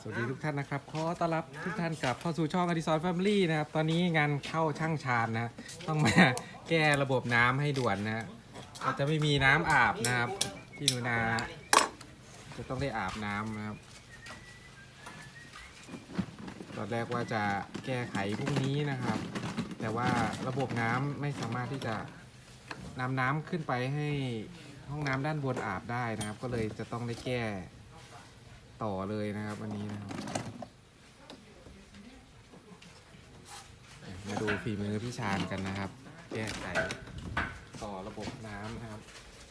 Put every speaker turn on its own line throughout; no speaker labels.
วัสดีทุกท่านนะครับขอต้อนรับทุกท่านกลับเข้าสู่ช่องอดิสรแฟมิลี่นะครับตอนนี้งานเข้าช่างชานนะต้องมาแก้ระบบน้ำให้ด่วนนะอาจจะไม่มีน้ำอาบนะครับพี่หนูนาจะต้องได้อาบน้ำนะครับตอนแรกว่าจะแก้ไขพรุ่งนี้นะครับ แต่ว่าระบบน้ำไม่สามารถที่จะนำน้ำขึ้นไปให้ห้องน้ำด้านบนอาบได้นะครับ ก็เลยจะต้องได้แก้ต่อเลยนะครับวันนี้นะครับมาดูฝีมือพี่ชาญกันนะครับ แก้ไขต่อระบบน้ำนะครับ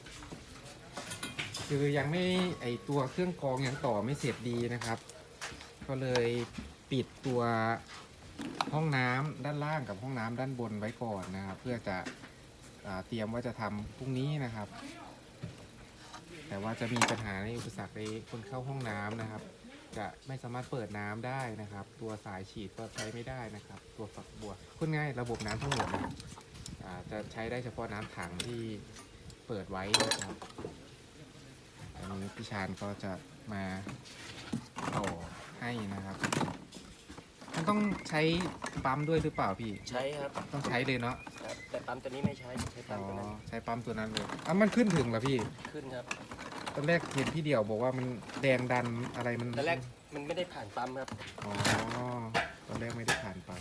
คือยังไม่ไอตัวเครื่องกรองยังต่อไม่เสร็จดีนะครับ ก็เลยปิดตัวห้องน้ำด้านล่างกับห้องน้ำด้านบนไว้ก่อนนะครับ เพื่อจะเตรียมว่าจะทำพรุ่งนี้นะครับ แต่ว่าจะมีปัญหาในอุปสรรคในคนเข้าห้องน้ำนะครับ จะไม่สามารถเปิดน้ำได้นะครับ ตัวสายฉีดก็ใช้ไม่ได้นะครับ ตัวฝักบัวพูดง่ายระบบน้ำทั้งหมดนะจะใช้ได้เฉพาะน้ำถังที่เปิดไว้นะครับอันนี้พี่ชาญก็จะมาต่อให้นะครับมันต้องใช้ปั๊มด้วยหรือเปล่าพี่
ใช้ครับ
ต้องใช้เลยเนาะ
แต่ปั๊มตัวนี้ไม่ใช้ปั๊มตัวนั้น
ใช้ปั๊มตัวนั้นเลยมันขึ้นถึงเหรอพี่
ขึ้นครับ
ตอนแรกเห็นพี่เดี่ยวบอกว่ามันแดงดันอะไรมัน
ตอนแรกมันไม่ได้ผ่านปั๊มครับ
ตอนแรกไม่ได้ผ่านปั๊ม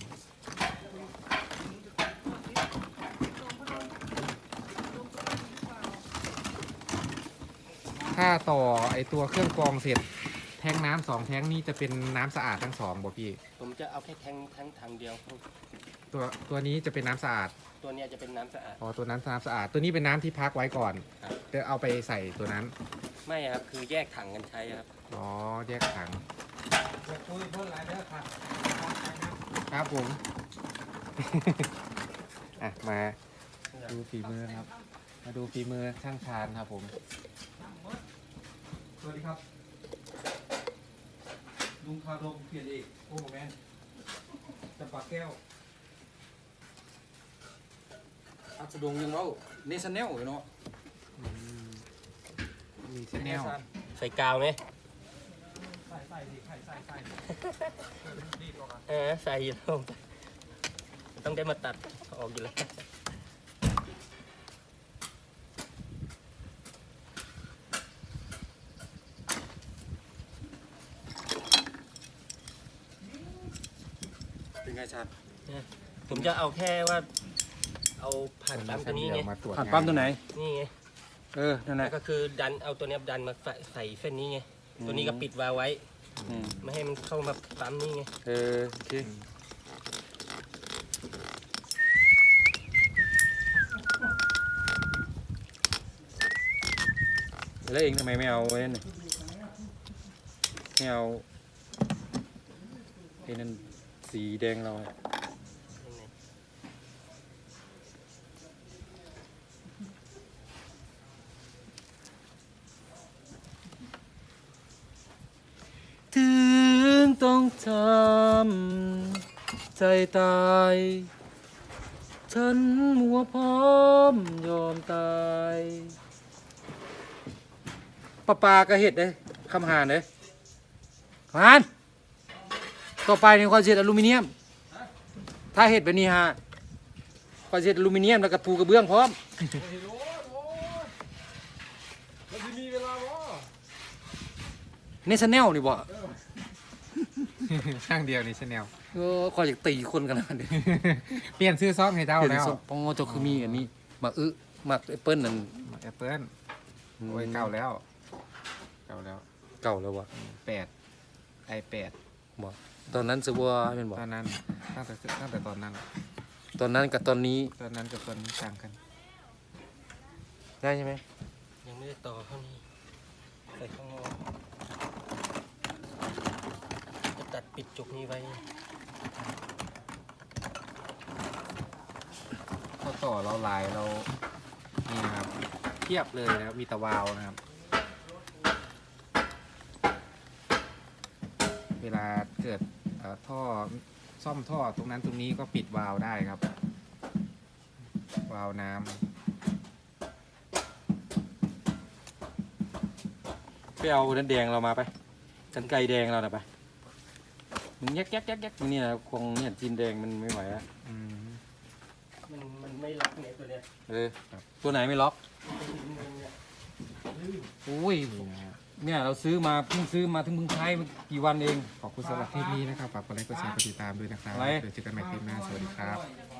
ถ้าต่อไอตัวเครื่องกรองเสร็จแทงน้ำ2 แทงนี้จะเป็นน้ำสะอาดทั้ง2บ่พี่
ผมจะเอาแค่แทงทางเดียว
ตัวนี้จะเป็นน้ำสะอาด
ตัวนี้จะเป็นน้ำสะอาด
ตัวนั้นน้ำสะอาดตัวนี้เป็นน้ำที่พักไว้ก่อนจะเอาไปใส่ตัวนั้น
ไม่ครับคือแยกถังกันใช้ครับ
แยกถังครับผมมาดูฝีมือครับมาดูฝีมือช่างชาญครับผมสวัสดีครับลุงคาดงเปลี่ยนเอกโอ้โหแมนจะปากแก้ว
อัศดงยังเล่าเนชั่นแนลเนาะ
มีเชนแนล
ใส่กาวไหม
ใส่ดิใส่
ใส่ลงต้องได้มาตัดออกอยู่แล้ว
เป็นไงชาญ
ผมจะเอาแค่ว่าเอาผ่านปั๊มตัวนี้ไง
ผ่านปั๊มตัวไหน
นี่ไง
นั่นแหละ
ก็คือดันเอาตัวนี้ดันมาใส่เส้นนี้ไงตัวนี้ก็ปิดวาล์วไว้ไม่ให้มันเข้ามาปั๊มนี่ไง
โอเคแล้วเองทำไมไม่เอาไว้นั่นไม่เอาไอ้นั่นสีแดงเราถึงต้องทำใจตายฉันมัวพร้อมยอมตายปลาก็เห็ดเลยคำหานเลยหานต่อไปในความเสียดอลูมิเนียมถ้าเห็ดแบบนี้ฮะความเสียดอลูมิเนียมแล้วก็ปูกระเบื้องพร้อมเนชั่นแนลนี่บ่
ช่างเดียวนี่ชแนล
คอยอยากตีคนกันนะเดี๋ยว
เปลี่ยนซื้อซองให้เจ้าแล้ว
ปองเจ้าคือมีอันนี้มามาแอปเปิ้ลนั่น
แอปเปิ้ลโอ้ยเก่าแล้ว
วะ
8
บ่ตอนนั้นซื้อว่าเป็นบ่
ตอนนั้นตั้งแต่ตอนนั้น
กับตอนนี้
ต่างกัน
ได้ใช่ไหม
ยังไม่ได้ต่อเท่านี้ใส่ข้างนอกจะตัดปิดจุกนี้ไว้
ข้อต่อเราลายเรานี่นะครับเทียบเลยนะครับมีตะวาวนะครับเวลาเกิดท่อซ่อมท่อตรงนั้นตรงนี้ก็ปิดวาล์วได้ครับวาล์วน้
ำไปเอาน้ำแดงเรามาไปกันไกรแดงเราหน่อยไปมันแยกนี่นะคงเนี่ยจีนแดงมันไม่ไหวแล้ว
อืม
มันไม่ล็อกเนี่ยตัวเนี้ย
ตัวไหนไม่ล็อก
เนี่ย
อุ้ย
นี่นะฮะ
เนี่ยเราซื้อมาเพิ่งซื้อมาถึงเพิ่งใช้มันกี่วันเอง
ขอบคุณสำหรับคลิปนี้นะครับฝากกดไลค์กดแชร์กดติดตามด้วยนะครับ
อะไร
เดี๋ยวเจอกันใหม่คลิปหน้าสวัสดีครับ
อ